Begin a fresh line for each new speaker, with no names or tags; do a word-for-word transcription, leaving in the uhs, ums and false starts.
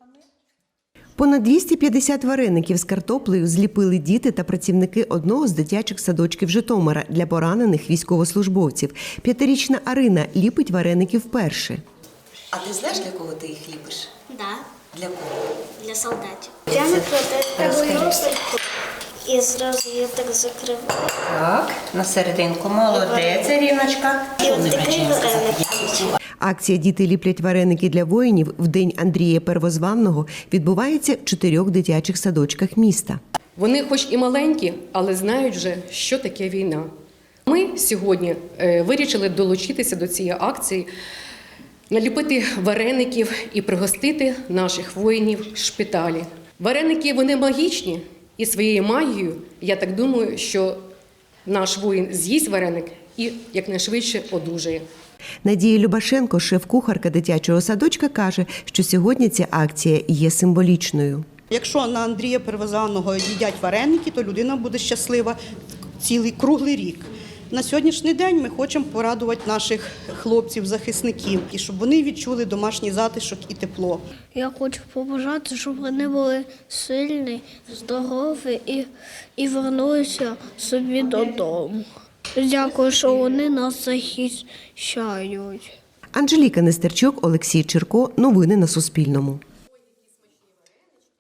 Понад двісті п'ятдесят вареників з картоплею зліпили діти та працівники одного з дитячих садочків Житомира для поранених військовослужбовців. П'ятирічна Арина ліпить вареники вперше.
А ти знаєш, для кого ти їх ліпиш?
Да,
Для кого?
для солдатів. Я накладаю і зразу я так закриваю.
Так, на серединку. Молодець, Ріночка.
І от такий вареник.
Акція «Діти ліплять вареники для воїнів» в день Андрія Первозванного відбувається в чотирьох дитячих садочках міста.
Вони хоч і маленькі, але знають вже, що таке війна. Ми сьогодні вирішили долучитися до цієї акції, наліпити вареників і пригостити наших воїнів в шпиталі. Вареники, вони магічні, і своєю магією, я так думаю, що наш воїн з'їсть вареник і якнайшвидше одужає.
Надія Любашенко, шеф-кухарка дитячого садочка, каже, що сьогодні ця акція є символічною.
Якщо на Андрія Первозваного їдять вареники, то людина буде щаслива цілий круглий рік. На сьогоднішній день ми хочемо порадувати наших хлопців-захисників, і щоб вони відчули домашній затишок і тепло.
Я хочу побажати, щоб вони були сильні, здорові і, і вернулися собі додому. Дякую, що вони нас захищають.
Анжеліка Нестерчук, Олексій Черко. Новини на Суспільному.